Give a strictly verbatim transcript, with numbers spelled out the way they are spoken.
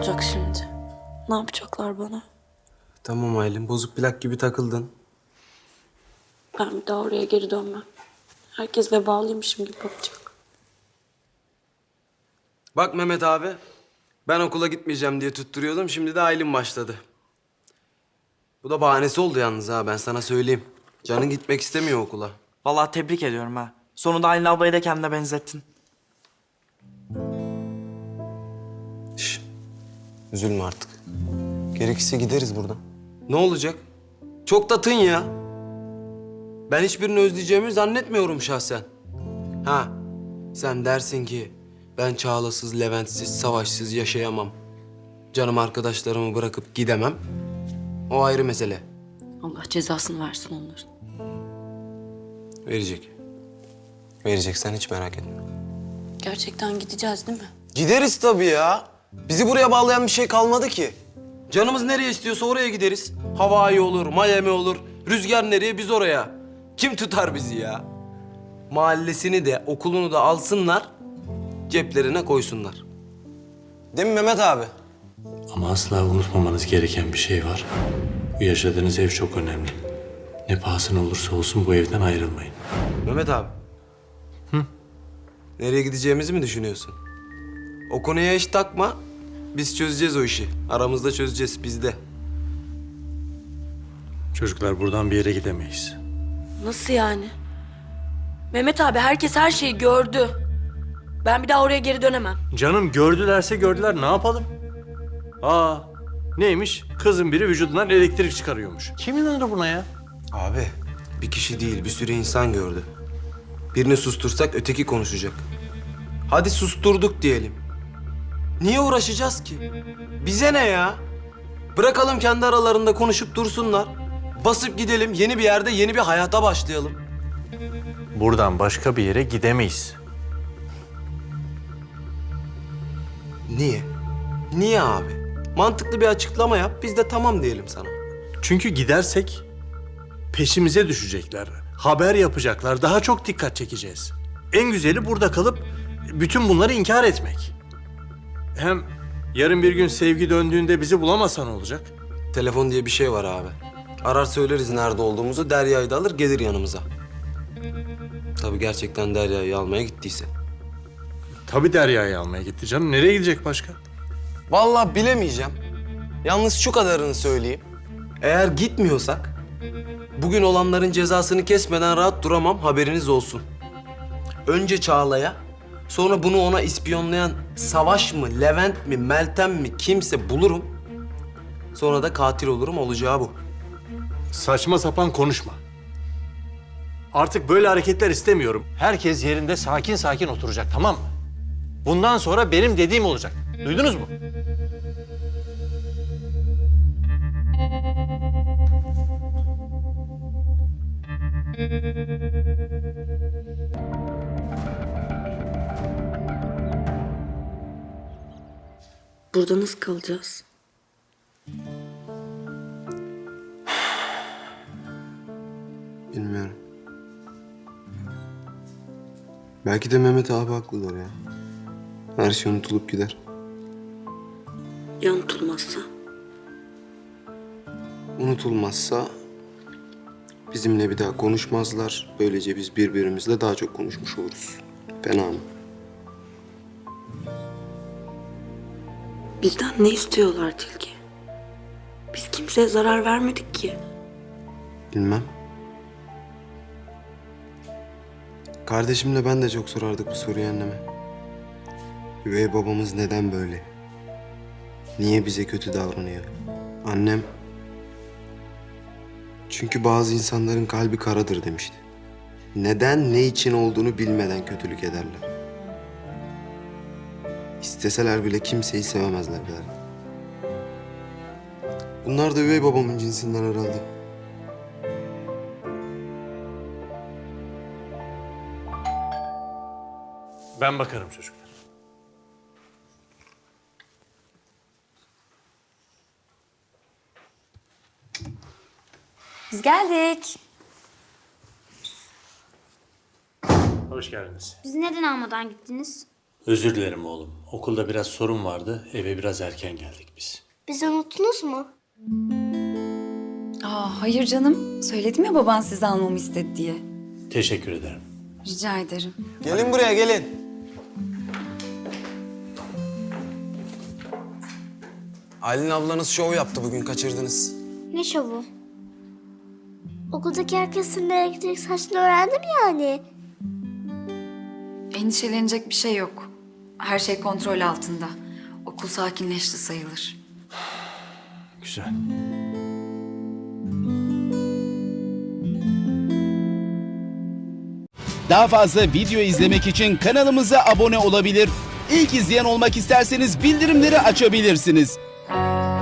olacak şimdi? Ne yapacaklar bana? Tamam Aylin, bozuk plak gibi takıldın. Ben bir daha oraya geri dönmem. Herkes vebalıymışım gibi bakacak. Bak Mehmet abi, ben okula gitmeyeceğim diye tutturuyordum. Şimdi de Aylin başladı. Bu da bahanesi oldu yalnız ha, ben sana söyleyeyim. Canın gitmek istemiyor okula. Vallahi tebrik ediyorum ha. Sonunda Aylin ablayı da kendine benzettin. Şş, üzülme artık. Gerekirse gideriz buradan. Ne olacak? Çok da tın ya. Ben hiçbirini özleyeceğimi zannetmiyorum şahsen. Ha, sen dersin ki ben Çağla'sız, Levent'siz, Savaş'sız yaşayamam. Canım arkadaşlarımı bırakıp gidemem. O ayrı mesele. Allah cezasını versin onların. Verecek. Verecek, sen hiç merak etme. Gerçekten gideceğiz değil mi? Gideriz tabii ya. Bizi buraya bağlayan bir şey kalmadı ki. Canımız nereye istiyorsa oraya gideriz. Hawaii olur, Miami olur. Rüzgar nereye, biz oraya. Kim tutar bizi ya? Mahallesini de, okulunu da alsınlar, ceplerine koysunlar. Değil mi Mehmet abi? Ama asla unutmamanız gereken bir şey var. Bu yaşadığınız ev çok önemli. Ne pahasına olursa olsun bu evden ayrılmayın. Mehmet abi. Hı? Nereye gideceğimizi mi düşünüyorsun? O konuya hiç takma. Biz çözeceğiz o işi. Aramızda çözeceğiz, bizde. Çocuklar buradan bir yere gidemeyiz. Nasıl yani? Mehmet abi herkes her şeyi gördü. Ben bir daha oraya geri dönemem. Canım gördülerse gördüler, ne yapalım? Aa, neymiş? Kızın biri vücudundan elektrik çıkarıyormuş. Kim inanır buna ya? Abi, bir kişi değil, bir sürü insan gördü. Birini sustursak öteki konuşacak. Hadi susturduk diyelim. Niye uğraşacağız ki? Bize ne ya? Bırakalım kendi aralarında konuşup dursunlar. Basıp gidelim, yeni bir yerde yeni bir hayata başlayalım. Buradan başka bir yere gidemeyiz. Niye? Niye abi? Mantıklı bir açıklama yap, biz de tamam diyelim sana. Çünkü gidersek peşimize düşecekler. Haber yapacaklar, daha çok dikkat çekeceğiz. En güzeli burada kalıp bütün bunları inkar etmek. Hem yarın bir gün Sevgi döndüğünde bizi bulamasa ne olacak? Telefon diye bir şey var abi. Arar söyleriz nerede olduğumuzu, Derya'yı da alır gelir yanımıza. Tabii gerçekten Derya'yı almaya gittiyse. Tabii Derya'yı almaya gitti canım. Nereye gidecek başka? Vallahi bilemeyeceğim. Yalnız şu kadarını söyleyeyim. Eğer gitmiyorsak, bugün olanların cezasını kesmeden rahat duramam, haberiniz olsun. Önce Çağla'ya, sonra bunu ona ispiyonlayan Savaş mı, Levent mi, Meltem mi kimse bulurum. Sonra da katil olurum, olacağı bu. Saçma sapan konuşma. Artık böyle hareketler istemiyorum. Herkes yerinde sakin sakin oturacak, tamam mı? Bundan sonra benim dediğim olacak. Duydunuz mu? Burada nasıl kalacağız? Bilmiyorum. Belki de Mehmet abi haklıdır ya. Her şey unutulup gider. Ya unutulmazsa? Unutulmazsa bizimle bir daha konuşmazlar. Böylece biz birbirimizle daha çok konuşmuş oluruz. Fena mı? Bizden ne istiyorlar Tilki? Biz kimseye zarar vermedik ki. Bilmem. Kardeşimle ben de çok sorardık bu soruyu anneme. Üvey babamız neden böyle? Niye bize kötü davranıyor? Annem... Çünkü bazı insanların kalbi karadır demişti. Neden, ne için olduğunu bilmeden kötülük ederler. İsteseler bile kimseyi sevemezler derdi. Bunlar da üvey babamın cinsinden herhalde. Ben bakarım çocuklar. Biz geldik. Hoş geldiniz. Bizi neden almadan gittiniz? Özür dilerim oğlum. Okulda biraz sorun vardı. Eve biraz erken geldik biz. Bizi unuttunuz mu? Aa, hayır canım. Söyledim ya baban sizi almamı istedi diye. Teşekkür ederim. Rica ederim. Gelin buraya gelin. Aylin ablanız şov yaptı bugün, kaçırdınız. Ne şovu? Okuldaki herkes senin elektrik saçını öğrendi mi yani? Endişelenecek bir şey yok. Her şey kontrol altında. Okul sakinleşti sayılır. Güzel. Daha fazla video izlemek için kanalımıza abone olabilir. İlk izleyen olmak isterseniz bildirimleri açabilirsiniz.